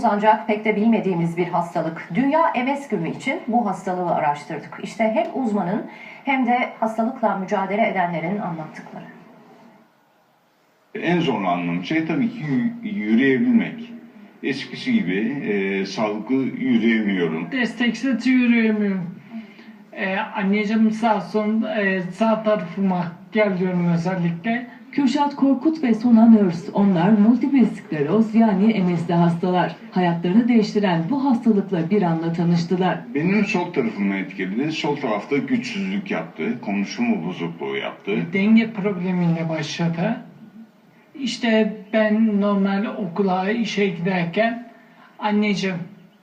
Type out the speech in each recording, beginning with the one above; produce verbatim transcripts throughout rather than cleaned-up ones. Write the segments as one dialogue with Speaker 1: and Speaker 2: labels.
Speaker 1: ancak pek de bilmediğimiz bir hastalık. Dünya M S Günü için bu hastalığı araştırdık. İşte hem uzmanın hem de hastalıkla mücadele edenlerin anlattıkları.
Speaker 2: En zorlandığım şey tabii ki yürüyebilmek. Eskisi gibi e, sağlıklı yürüyemiyorum.
Speaker 3: Desteksiz yürüyemiyorum. Ee, anneciğim sağ son e, sağ tarafıma geliyorum özellikle.
Speaker 4: Kürşat Korkut ve Sonan Örs, onlar multiple skleroz yani M S'li hastalar. Hayatlarını değiştiren bu hastalıkla bir anda tanıştılar.
Speaker 2: Benim sol tarafımı etkiledi. Sol tarafta güçsüzlük yaptı. Konuşma bozukluğu yaptı.
Speaker 3: Denge problemiyle başladı. İşte ben normal okula, işe giderken anneciğim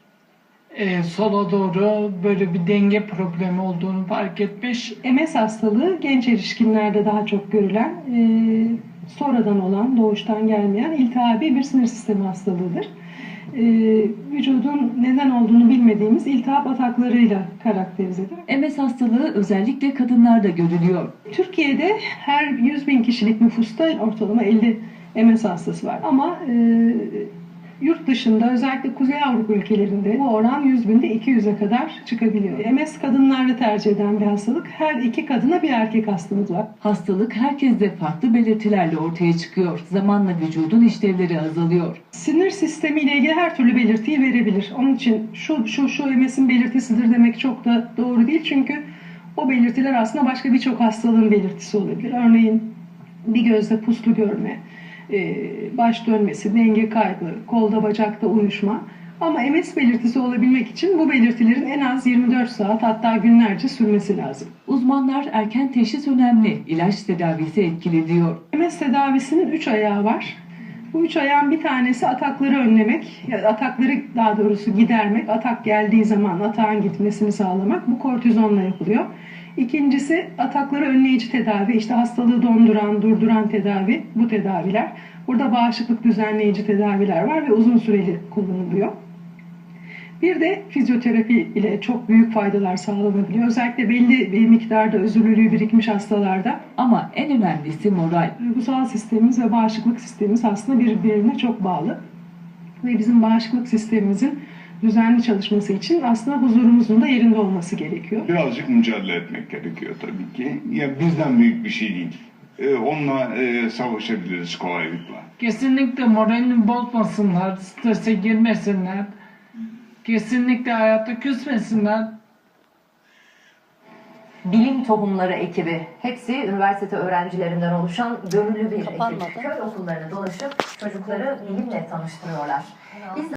Speaker 3: e, sola doğru böyle bir denge problemi olduğunu fark etmiş.
Speaker 5: M S hastalığı genç erişkinlerde daha çok görülen, e, sonradan olan, doğuştan gelmeyen iltihabi bir sinir sistemi hastalığıdır. E, vücudun neden olduğunu bilmediğimiz iltihap ataklarıyla karakterizedir.
Speaker 4: M S hastalığı özellikle kadınlarda görülüyor.
Speaker 5: Türkiye'de her yüz bin kişilik nüfusta ortalama elli M S hastası var ama e, yurt dışında özellikle Kuzey Avrupa ülkelerinde bu oran yüz binde iki yüze kadar çıkabiliyor. M S kadınlarda tercih eden bir hastalık. Her iki kadına bir erkek hastamız var.
Speaker 4: Hastalık herkeste farklı belirtilerle ortaya çıkıyor. Zamanla vücudun işlevleri azalıyor.
Speaker 5: Sinir sistemiyle ilgili her türlü belirtiyi verebilir. Onun için şu şu şu M S'in belirtisidir demek çok da doğru değil. Çünkü o belirtiler aslında başka birçok hastalığın belirtisi olabilir. Örneğin bir gözde puslu görme, baş dönmesi, denge kaybı, kolda bacakta uyuşma. Ama M S belirtisi olabilmek için bu belirtilerin en az yirmi dört saat hatta günlerce sürmesi lazım.
Speaker 4: Uzmanlar erken teşhis önemli, ilaç tedavisi etkili diyor.
Speaker 5: M S tedavisinin üç ayağı var. Bu üç ayağın bir tanesi atakları önlemek, ya atakları daha doğrusu gidermek, atak geldiği zaman atağın gitmesini sağlamak. Bu kortizonla yapılıyor. İkincisi atakları önleyici tedavi, işte hastalığı donduran, durduran tedavi, bu tedaviler. Burada bağışıklık düzenleyici tedaviler var ve uzun süreli kullanılıyor. Bir de fizyoterapi ile çok büyük faydalar sağlanabiliyor. Özellikle belli bir miktarda özürlülüğü birikmiş hastalarda.
Speaker 4: Ama en önemlisi moral.
Speaker 5: Duygusal sistemimiz ve bağışıklık sistemimiz aslında birbirine çok bağlı. Ve bizim bağışıklık sistemimizin düzenli çalışması için aslında huzurumuzun da yerinde olması gerekiyor.
Speaker 2: Birazcık mücadele etmek gerekiyor tabii ki. Ya bizden büyük bir şey değil. Ee, onunla e, savaşabiliriz kolaylıkla.
Speaker 3: Kesinlikle moralini bozmasınlar, strese girmesinler. Kesinlikle hayatta küsmesinler.
Speaker 1: Bilim Tohumları ekibi, hepsi üniversite öğrencilerinden oluşan gönüllü bir
Speaker 6: Kapanmadı.
Speaker 1: ekip. Köy okullarını dolaşıp çocukları bilimle tanıştırıyorlar. Biz